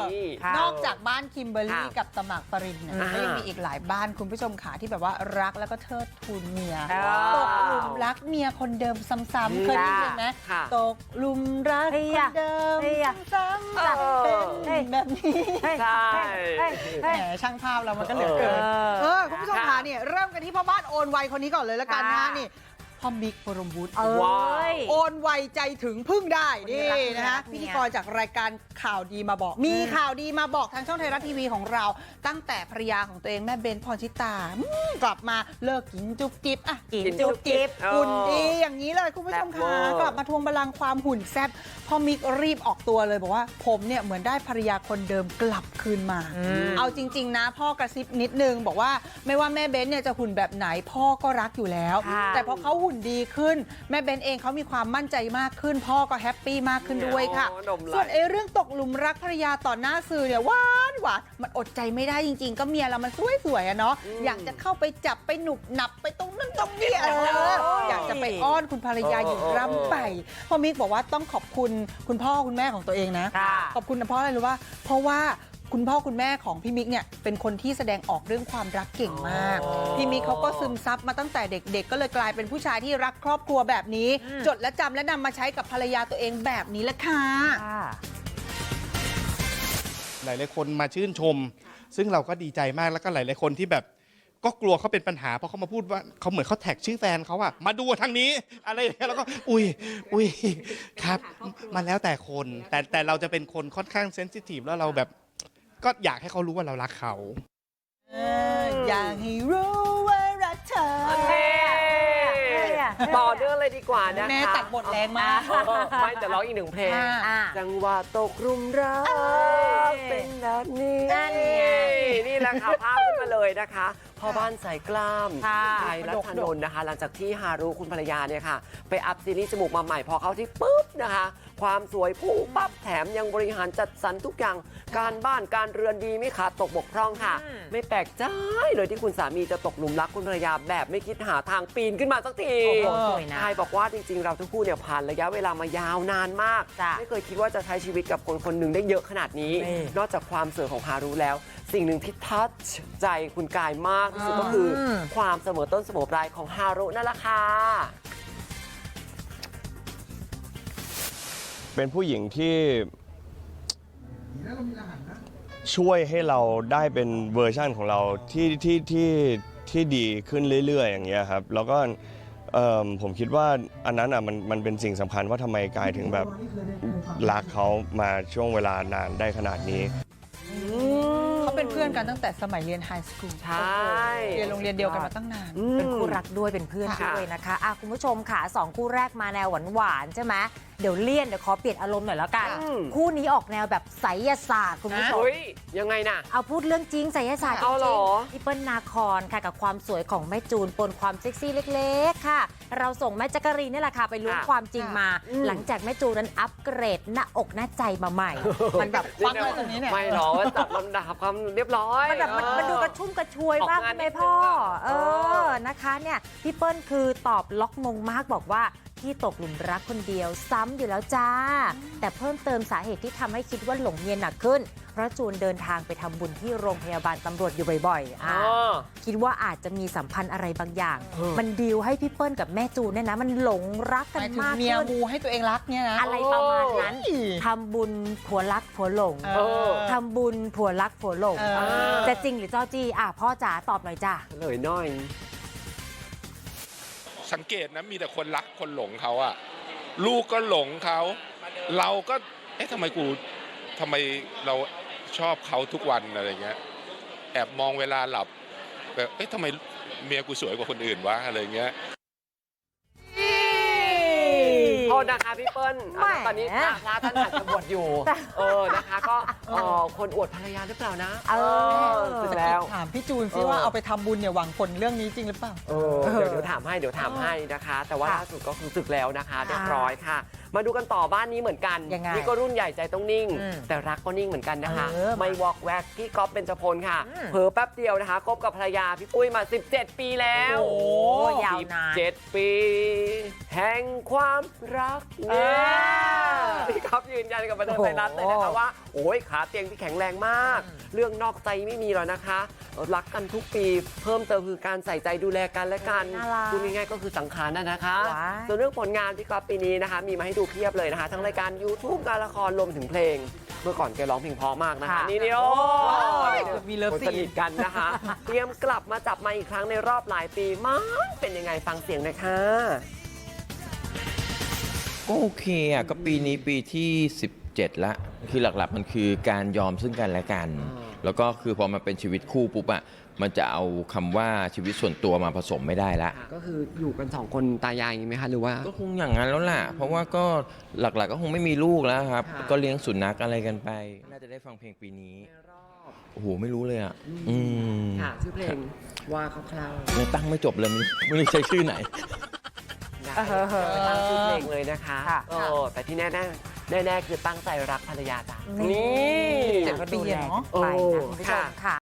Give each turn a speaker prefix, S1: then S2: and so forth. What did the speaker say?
S1: นอกจากบ้านคิมเบอร์รี่กับตมากปรินเนี่ยก็ยังมีอีกหลายบ้านคุณผู้ชมขาที่แบบว่ารักแล้วก็เทิดทูนเมียตกหลุมรักเมียคนเดิมซ้ำๆเคยได้ยินไหมตกหลุมรักคนเดิมซ้ำๆเป็นแบบนี้ใช่แหมช่างภาพเรามันก็เหลือเกินคุณผู้ชมขาเนี่ยเริ่มกันที่พ่อบ้านโอนไวคนนี้ก่อนเลยละกันนะนี่พ่อมิก บรมวุฒิโอนไวใจถึงพึ่งได้นี่นะคะพิธีกรจากรายการข่าวดีมาบอกมีข่าวดีมาบอกทางช่องไทยรัฐทีวีของเราตั้งแต่ภรรยาของตัวเองแม่เบนพรชิตากลับมาเลิกกินจุ๊บจิ๊บอ่ะกินจุ๊บจิ๊บหุ่นดีอย่างนี้เลยคุณผู้ชมคะกลับมาทวงบัลลังก์ความหุ่นแซ่บพ่อมิกรีบออกตัวเลยบอกว่าผมเนี่ยเหมือนได้ภรรยาคนเดิมกลับคืนมาเอาจริงๆนะพ่อกระซิบนิดนึงบอกว่าไม่ว่าแม่เบนเนี่ยจะหุ่นแบบไหนพ่อก็รักอยู่แล้วแต่พอเขาหุ่นดีขึ้นแม่เบนเองเขามีความมั่นใจมากขึ้นพ่อก็แฮปปี้มากขึ้นด้วยค่ะส่วนเรื่องตกหลุมรักภรรยาต่อหน้าสื่อเนี่ยหวานมันอดใจไม่ได้จริงๆก็เมียเรามันสวยๆอะเนาะอยากจะเข้าไปจับไปหนุบหนับไปตรงนั้นตรงนี้อยากจะไปอ้อนคุณภรรยาอยู่ร่ำไปพ่อมิกบอกว่าต้องขอบคุณคุณพ่อคุณแม่ของตัวเองนะขอบคุณนะเพราะอะไรรู้ว่าเพราะว่าคุณพ่อคุณแม่ของพี่มิกเนี่ยเป็นคนที่แสดงออกเรื่องความรักเก่งมากพี่มิกเขาก็ซึมซับมาตั้งแต่เด็กๆก็เลยกลายเป็นผู้ชายที่รักครอบครัวแบบนี้จดและจำและนำมาใช้กับภรรยาตัวเองแบบนี้แหละค่ะ
S2: หลายๆคนมาชื่นชมซึ่งเราก็ดีใจมากแล้วก็หลายๆคนที่แบบก็กลัวเขาเป็นปัญหาเพราะเขามาพูดว่าเขาเหมือนเขาแท็กชื่อแฟนเขาอะมาดูทางนี้อะไรอย่างเงี้ยแล้วก็อุ้ยครับมันแล้วแต่คนแต่เราจะเป็นคนค่อนข้างเซนซิทีฟแล้วเราแบบก็อยากให้เขารู้ว่าเรารักเขา
S1: อยากให้รู้ว่ารักเธอ
S3: ต่อเนื่องเลยดีกว่านะคะ
S1: แม่ตัดบทแรงมาก
S3: ไม่แต่ร้องอีกหนึ่งเพลงจังหวะตกรุมรักเป็นแบบนี้นี่แหละค่ะภาพขึ้นมาเลยนะคะพ่อบ้านสายกล้ามไทยรัชนนท์นะคะหลังจากที่ฮารุคุณภรรยาเนี่ยค่ะไปอัพซีรีส์จมูกมาใหม่พอเขาที่ปุ๊บนะคะความสวยพุ่งปั๊บแถมยังบริหารจัดสรรทุกอย่างการบ้านการเรือนดีไม่ขาดตกบกพร่องค่ะไม่แปลกใจเลยที่คุณสามีจะตกหลุมรักคุณภรรยาแบบไม่คิดหาทางปีนขึ้นมาสักทีทายบอกว่าจริงๆเราทั้งคู่เนี่ยผ่านระยะเวลามายาวนานมากไม่เคยคิดว่าจะใช้ชีวิตกับคนคนหนึ่งได้เยอะขนาดนี้นอกจากความสวยของฮารุแล้วสิ่งหนึ่งที่ทัชใจคุณกายมากที่สุดก็คือความเสมอต้นเสมอปลายของฮารุนั่นแหละค่ะ
S4: เป็นผู้หญิงที่ช่วยให้เราได้เป็นเวอร์ชั่นของเราที่ดีขึ้นเรื่อยๆอย่างเงี้ยครับแล้วก็ผมคิดว่าอันนั้นมันเป็นสิ่งสำคัญว่าทำไมกายถึงแบบรักเขามาช่วงเวลานานได้ขนาดนี้
S1: เขาเป็นเพื่อนกันตั้งแต่สมัยเรียนไฮสคูล
S3: ใช่
S1: เรียนโรงเรียนเดียวกันมาตั้งนาน
S5: เป็นคู่รักด้วยเป็นเพื่อนด้วยนะคะคุณผู้ชมค่ะ2คู่แรกมาแนวหวานๆใช่ไหมเดี๋ยวขอเปลี่ยนอารมณ์หน่อยแล้วกันคู่นี้ออกแนวแบบไสยศาสตร์คุณผู้ชม
S3: ยังไงนะ
S5: เอาพูดเรื่องจริงไสยศาสตร์จริงพี่เปิ้ลนาคอนค่ะกับความสวยของแม่จูนปนความเซ็กซี่เล็กๆค่ะเราส่งแม่จักรีนี่แหละค่ะไปรู้ความจริงมาหลังจากแม่จูนนั้นอัปเกรดหน้าอกหน้าใจมาใหม่มันแบบ
S1: ฟังเลยตรงนี้เนี่ย
S3: ไม่หรอว่าจัดลำดับความเรียบร้อย
S5: มันแบบมันดูกระชุ่มกระชวยมากไหมพ่อนะคะเนี่ยพี่เปิ้ลคือตอบล็อกมงมากบอกว่าที่ตกหลุมรักคนเดียวซ้ำอยู่แล้วจ้าแต่เพิ่มเติมสาเหตุที่ทำให้คิดว่าหลงเมียหนักขึ้นเพราะจูนเดินทางไปทำบุญที่โรงพยาบาลตำรวจอยู่บ่อยๆคิดว่าอาจจะมีสัมพันธ์อะไรบางอย่างมันดีลให้พี่เปิ้ลกับแม่จูนเนี่ยนะมันหลงรักกันมากขึ้น
S1: เมียมูให้ตัวเองรักเนี่ยนะ
S5: อะไรประมาณนั้นทำบุญผัวรักผัวหลงทำบุญผัวรักผัวหลงจะจริงหรือจ้อจี้พ่อจ๋าตอบหน่อยจ้า
S3: เลยน้อย
S2: สังเกตนะมีแต่คนรักคนหลงเขาอะลูกก็หลงเขาเราก็ทำไมเราชอบเขาทุกวันอะไรเงี้ยแอบมองเวลาหลับแบบทำไมเมียกูสวยกว่าคนอื่นวะอะไรเงี้ย
S3: โทษนะคะพี่เปิ้ลตอนนี้พระท่านอาจจะบวชอยู่นะคะก็คนอวดภรรยาหรือเปล่านะ
S1: สึกแล้วถามพี่จูนซิว่าเอาไปทำบุญเนี่ยหวังผลเรื่องนี้จริงหรือเปล่า
S3: เดี๋ยวถามให้นะคะแต่ว่าล่าสุดก็คือสึกแล้วนะคะเรียบร้อยค่ะมาดูกันต่อบ้านนี้เหมือนกันนี่ก็รุ่นใหญ่ใจต้องนิ่งแต่รักก็นิ่งเหมือนกันนะคะไม่วอกแวกพี่ก๊อฟเบญจพลค่ะเผลอแป๊บเดียวนะคะคบกับภรรยาพี่ปุ้ยมา17 ปีแล้ว
S5: ยาวนาน
S3: 17 ปีแห่งความรัรักเนี่ยพี่ก๊อฟยืนยันกับบันเทิงไทยรัฐเลยนะคะว่าโอ้ยขาเตียงที่แข็งแรงมาก เรื่องนอกใจไม่มีหรอกนะคะรักกันทุกปีเพิ่มเติมคือการใส่ใจดูแลกันและกันพูดง่ายๆก็คือสังขารนะคะ ส่วนเรื่องผลงานพี่ก๊อฟปีนี้นะคะมีมาให้ดูเพียบเลยนะคะทั้งรายการ YouTube การละครรวมถึงเพลงเมื่อก่อนแกร้องเพลงเพราะมากนะคะนี่โอ้มีเลิฟซีนสนิทกันนะคะเตรียมกลับมาจับมาอีกครั้งในรอบหลายปีมั้งเป็นยังไงฟังเสียงหนะคะ
S6: ก็โอเคอ่ะก็ปีนี้ปีที่ 17ละคือหลักๆมันคือการยอมซึ่งกันและกัน แล้วก็คือพอมาเป็นชีวิตคู่ปุ๊บอ่ะมันจะเอาคำว่าชีวิตส่วนตัวมาผสมไม่ได้ละ
S3: ก็คืออยู่กัน2คนตายายอย่างนี้ไหมคะหรือว่า
S6: ก็คงอย่างนั้นแล้วล่ะเพราะว่าก็หลักๆก็คงไม่มีลูกแล้วครับก็เลี้ยงสุนัขอะไรกันไปน่าจะได้ฟังเพลงปีนี้โอ้โหไม่รู้เลยอ่ะ
S3: ค่ะชื่อเพลงว่าคร่าวๆ
S6: ยังตั้งไม่จบเลยไม่รู้ใช้ชื่อไหน
S3: ตั้งชื่อเพลงเลยนะคะแต่ที่แน่ๆคือตั้งใจรักภรรยาจ้ะนี่
S1: 7 ปีเนาะ
S5: ไปนะคุณผู้ชมค่ะ